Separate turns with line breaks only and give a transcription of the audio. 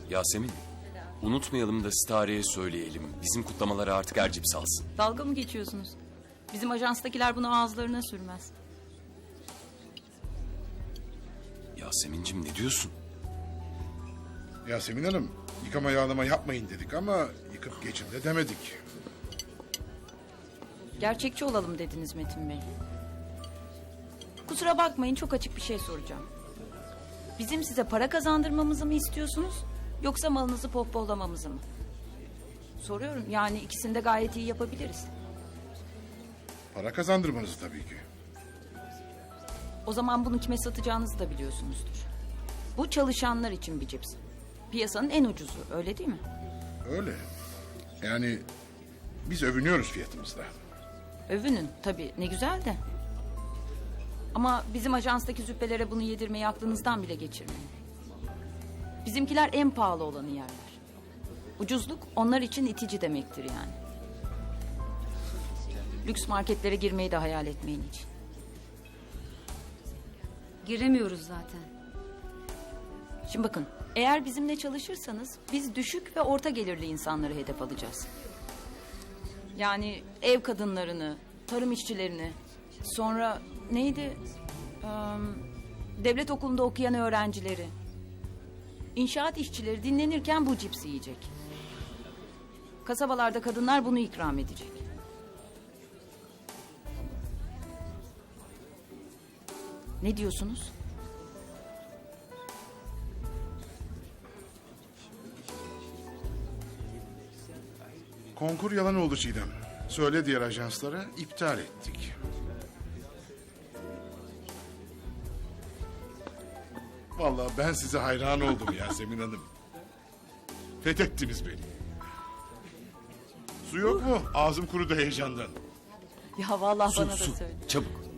Yasemin, unutmayalım da Stare'ye söyleyelim. Bizim kutlamaları artık Ercip salsın.
Dalga mı geçiyorsunuz? Bizim ajanstakiler bunu ağızlarına sürmez.
Yasemin'cim ne diyorsun?
Yasemin Hanım, yıkama yağlama yapmayın dedik ama yıkıp geçin de demedik.
Gerçekçi olalım dediniz Metin Bey. Kusura bakmayın, çok açık bir şey soracağım. Bizim size para kazandırmamızı mı istiyorsunuz, yoksa malınızı pohpohlamamızı mı? Soruyorum, yani ikisini de gayet iyi yapabiliriz.
Para kazandırmanızı tabii ki.
O zaman bunu kime satacağınızı da biliyorsunuzdur. Bu çalışanlar için bir cips. Piyasanın en ucuzu, öyle değil mi?
Öyle. Yani biz övünüyoruz fiyatımızla.
Övünün tabii, ne güzel de. Ama bizim ajanstaki züppelere bunu yedirmeyi aklınızdan bile geçirmeyin. Bizimkiler en pahalı olanı yerler. Ucuzluk onlar için itici demektir yani. Lüks marketlere girmeyi de hayal etmeyin hiç.
Giremiyoruz zaten.
Şimdi bakın, eğer bizimle çalışırsanız biz düşük ve orta gelirli insanları hedef alacağız. Yani ev kadınlarını, tarım işçilerini, sonra neydi? Devlet okulunda okuyan öğrencileri. İnşaat işçileri dinlenirken bu cipsi yiyecek. Kasabalarda kadınlar bunu ikram edecek. Ne diyorsunuz?
Konkur yalan oldu Çiğdem. Söyle diğer ajanslara, iptal ettik. Vallahi ben size hayran oldum Yasemin Hanım. Fethettiniz beni. Su yok mu? Ağzım kurudu heyecandan.
Ya vallahi
Su,
bana da
su,
söyle.
çabuk.